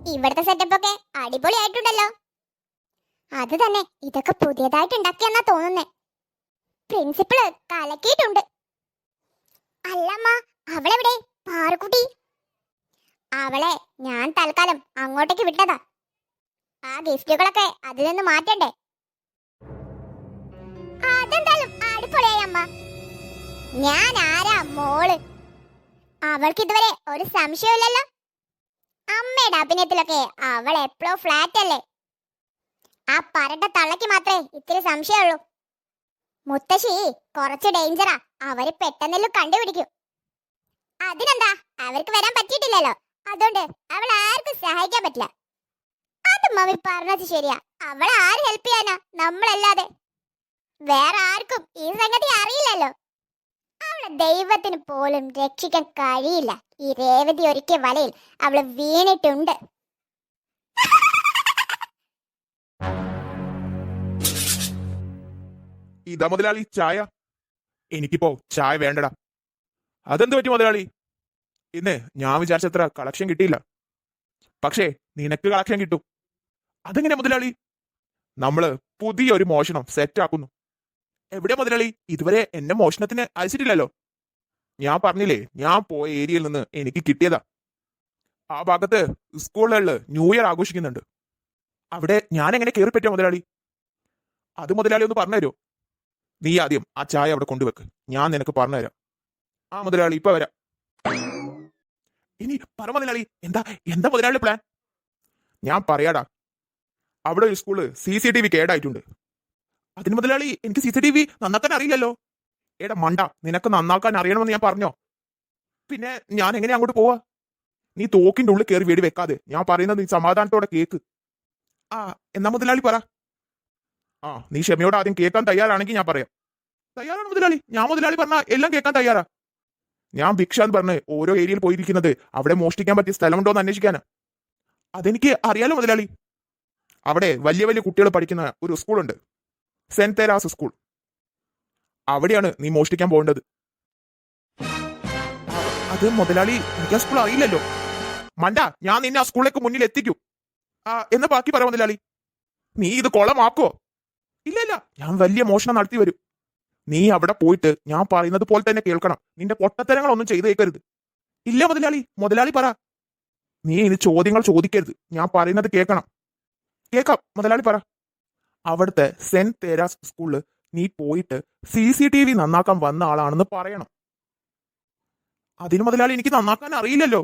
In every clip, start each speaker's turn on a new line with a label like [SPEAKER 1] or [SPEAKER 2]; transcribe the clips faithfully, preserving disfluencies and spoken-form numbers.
[SPEAKER 1] ഇവിടുത്തെ സെറ്റപ്പ് ഒക്കെ അടിപൊളിയായിട്ടുണ്ടല്ലോ. അത് തന്നെ, ഇതൊക്കെ പുതിയതായിട്ട് ഉണ്ടാക്കിയെന്നാ തോന്നുന്നേ. പ്രിൻസിപ്പള് കലക്കിയിട്ടുണ്ട്. അല്ലമ്മ, അവളെവിടെ? പാറുക്കുട്ടി. അവളെ ഞാൻ തൽക്കാലം അങ്ങോട്ടേക്ക് വിട്ടതാ. ആ ഗിഫ്റ്റുകളൊക്കെ അതിൽ നിന്ന് മാറ്റണ്ടേ? അതെന്തായാലും അടിപൊളിയായി അമ്മ. ഞാൻ ആരാ മോള്? അവൾക്ക് ഇതുവരെ ഒരു സംശയമില്ലല്ലോ. അമ്മയുടെ അഭിനയത്തിലൊക്കെ അവൾ എപ്പോഴും ഫ്ലാറ്റ് അല്ലേ. ആ പരട്ട തള്ളക്ക് മാത്രമേ ഇത്തിരി സംശയമുള്ളൂ. മുത്തശ്ശി കുറച്ച് ഡേഞ്ചറാ, അവര് പെട്ടെന്നല്ലോ കണ്ടുപിടിക്കും. അതിനെന്താ, അവർക്ക് വരാൻ പറ്റിയിട്ടില്ലല്ലോ, അതുകൊണ്ട് അവൾ ആർക്കും സഹായിക്കാൻ പറ്റില്ല. അത് മമ്മി പറഞ്ഞത് ശരിയാ. അവളെ ആര് ഹെൽപ്പ് ചെയ്യാനാ, നമ്മളല്ലാതെ. വേറെ ആർക്കും ഈ സംഗതി അറിയില്ലല്ലോ. അവളെ ദൈവത്തിന് പോലും രക്ഷിക്കാൻ കഴിയില്ല. ഈ രേവതി ഒരുക്കിയ വലയിൽ അവള് വീണിട്ടുണ്ട്.
[SPEAKER 2] ഇതാ മുതലാളി ചായ. എനിക്കിപ്പോ ചായ വേണ്ടടാ. അതെന്ത് പറ്റി മുതലാളി? ഇന്ന് ഞാൻ വിചാരിച്ചത്ര കളക്ഷൻ കിട്ടിയില്ല. പക്ഷേ നിനക്ക് കളക്ഷൻ കിട്ടും. അതെങ്ങനെ മുതലാളി? നമ്മള് പുതിയൊരു മോഷണം സെറ്റ് ആക്കുന്നു. എവിടെ മുതലാളി? ഇതുവരെ എന്നെ മോഷണത്തിന് അയച്ചിട്ടില്ലല്ലോ. ഞാൻ പറഞ്ഞില്ലേ, ഞാൻ പോയ ഏരിയയിൽ നിന്ന് എനിക്ക് കിട്ടിയതാ. ആ ഭാഗത്ത് സ്കൂളുകളിൽ ന്യൂ ഇയർ ആഘോഷിക്കുന്നുണ്ട്. അവിടെ ഞാൻ എങ്ങനെ കയറി പറ്റിയ മുതലാളി? അത് മുതലാളി ഒന്ന് പറഞ്ഞുതരോ? നീ ആദ്യം ആ ചായ അവിടെ കൊണ്ടുവെക്ക്, ഞാൻ നിനക്ക് പറഞ്ഞുതരാം. ആ മുതലാളി ഇപ്പൊ വരാം. ഇനി പറ മുതലാളി, എന്താ എന്താ മുതലാളി പ്ലാൻ? ഞാൻ പറയാടാ, അവിടെ ഒരു school C C T V കേടായിട്ടുണ്ട്. അതിന് മുതലാളി എനിക്ക് സി സി ടി വി നന്നാക്കാൻ അറിയില്ലല്ലോ. എടാ മണ്ട, നിനക്ക് നന്നാക്കാൻ അറിയണമെന്ന് ഞാൻ പറഞ്ഞോ? പിന്നെ ഞാൻ എങ്ങനെ അങ്ങോട്ട് പോവാ? നീ തോക്കിന്റെ ഉള്ളിൽ കയറി വെടി വെക്കാതെ ഞാൻ പറയുന്നത് നീ സമാധാനത്തോടെ കേക്ക്. ആ എന്നാ മുതലാളി പറ. ആ നീ ക്ഷമയോടെ ആദ്യം കേൾക്കാൻ തയ്യാറാണെങ്കിൽ ഞാൻ പറയാം. തയ്യാറാണ് മുതലാളി, ഞാൻ മുതലാളി പറഞ്ഞ എല്ലാം കേൾക്കാൻ തയ്യാറാ. ഞാൻ ഭിക്ഷ എന്ന് പറഞ്ഞ് ഓരോ ഏരിയയിൽ പോയിരിക്കുന്നത് അവിടെ മോഷ്ടിക്കാൻ പറ്റിയ സ്ഥലമുണ്ടോ എന്ന് അന്വേഷിക്കാനാ. അതെനിക്ക് അറിയാലോ മുതലാളി. അവിടെ വലിയ വലിയ കുട്ടികൾ പഠിക്കുന്ന ഒരു സ്കൂളുണ്ട്, സെന്റ് തെരാസ് സ്കൂൾ. അവിടെയാണ് നീ മോഷ്ടിക്കാൻ പോകേണ്ടത്. അത് മുതലാളി, എനിക്ക് ആ സ്കൂൾ അറിയില്ലല്ലോ. മണ്ട, ഞാൻ നിന്നെ ആ സ്കൂളിലേക്ക് മുന്നിൽ എത്തിക്കും. ആ എന്ന് ബാക്കി പറ മുതലാളി. നീ ഇത് കൊളമാക്കോ? ഇല്ല ഇല്ല, ഞാൻ വലിയ മോഷണം നടത്തി വരും. നീ അവിടെ പോയിട്ട് ഞാൻ പറയുന്നത് പോലെ തന്നെ കേൾക്കണം. നിന്റെ പൊട്ടത്തരങ്ങളൊന്നും ചെയ്തേക്കരുത്. ഇല്ല മുതലാളി, മുതലാളി പറ. നീ ഇനി ചോദ്യങ്ങൾ ചോദിക്കരുത്, ഞാൻ പറയുന്നത് കേൾക്കണം. കേൾക്കാം മുതലാളി പറ. അവിടുത്തെ സെന്റ് തെരാസ് സ്കൂളില് നീ പോയിട്ട് സി സി ടി വി നന്നാക്കാൻ വന്ന ആളാണെന്ന് പറയണം. അതിന് മുതലാളി എനിക്ക് നന്നാക്കാൻ അറിയില്ലല്ലോ.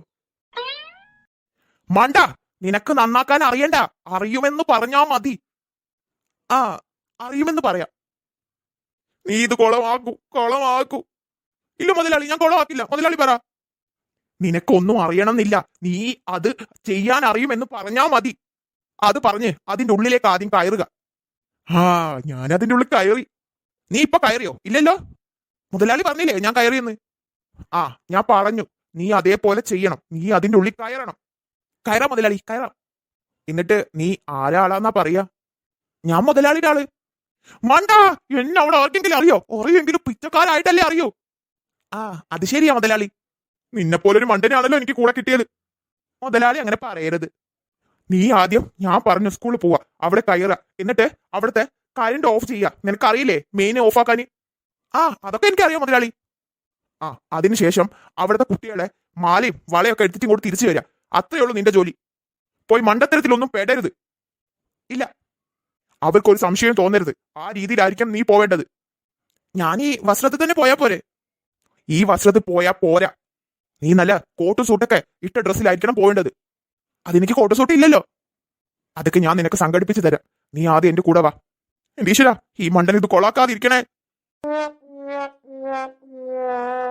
[SPEAKER 2] മണ്ട, നിനക്ക് നന്നാക്കാൻ അറിയണ്ട, അറിയുമെന്ന് പറഞ്ഞാ മതി. ആ അറിയുമെന്ന് പറയാം. നീ ഇത് കൊളമാക്കൂ, കൊളമാക്കൂ. ഇല്ല മുതലാളി, ഞാൻ കൊളമാക്കില്ല. മുതലാളി പറ. നിനക്കൊന്നും അറിയണമെന്നില്ല, നീ അത് ചെയ്യാൻ അറിയുമെന്ന് പറഞ്ഞാ മതി. അത് പറഞ്ഞ് അതിന്റെ ഉള്ളിലേക്ക് ആദ്യം കയറുക. ആ ഞാൻ അതിന്റെ ഉള്ളിൽ കയറി. നീ ഇപ്പൊ കയറിയോ? ഇല്ലല്ലോ. മുതലാളി പറഞ്ഞില്ലേ ഞാൻ കയറിയെന്ന്. ആ ഞാൻ പറഞ്ഞു, നീ അതേപോലെ ചെയ്യണം. നീ അതിന്റെ ഉള്ളിൽ കയറണം. കയറാം മുതലാളി, കയറാം. എന്നിട്ട് നീ ആരാളാന്നാ പറയാ? ഞാൻ മുതലാളിയുടെ ആള്. മണ്ട, എന്നെ അവിടെ ആർക്കെങ്കിലും അറിയോ? അറിയെങ്കിലും പിച്ചക്കാരായിട്ടല്ലേ അറിയോ? ആ അത് ശരിയാ മുതലാളി. നിന്നെ പോലൊരു മണ്ടനാണല്ലോ എനിക്ക് കൂടെ കിട്ടിയത്. മുതലാളി അങ്ങനെ പറയരുത്. നീ ആദ്യം ഞാൻ പറഞ്ഞു സ്കൂളിൽ പോവാ, അവിടെ കയറുക, എന്നിട്ട് അവിടുത്തെ കറണ്ട് ഓഫ് ചെയ്യുക. നിനക്കറിയില്ലേ മെയിൻ ഓഫ് ആക്കാന്? ആ അതൊക്കെ എനിക്കറിയാം മുതലാളി. ആ അതിനുശേഷം അവിടുത്തെ കുട്ടികളെ മാലയും വളയൊക്കെ എടുത്തിട്ട് ഇങ്ങോട്ട് തിരിച്ചു വരിക. അത്രയേ ഉള്ളൂ നിന്റെ ജോലി. പോയി മണ്ടത്തരത്തിലൊന്നും പെടരുത്. ഇല്ല, അവർക്കൊരു സംശയം തോന്നരുത്. ആ രീതിയിലായിരിക്കും നീ പോവേണ്ടത്. ഞാൻ ഈ വസ്ത്രത്തിൽ തന്നെ പോയാ പോരെ? ഈ വസ്ത്രത്തിൽ പോയാ പോരാ. നീ നല്ല കോട്ടും സൂട്ടൊക്കെ ഇട്ട ഡ്രസ്സിലായിരിക്കണം പോവേണ്ടത്. അതെനിക്ക് കോട്ടും സൂട്ട് ഇല്ലല്ലോ. അതൊക്കെ ഞാൻ നിനക്ക് സംഘടിപ്പിച്ചു തരാം. നീ ആദ്യം എന്റെ കൂടെ വാ. എന്റെ ഈശ്വരാ, ഈ മണ്ടൻ ഇത് കൊളാക്കാതിരിക്കണേ.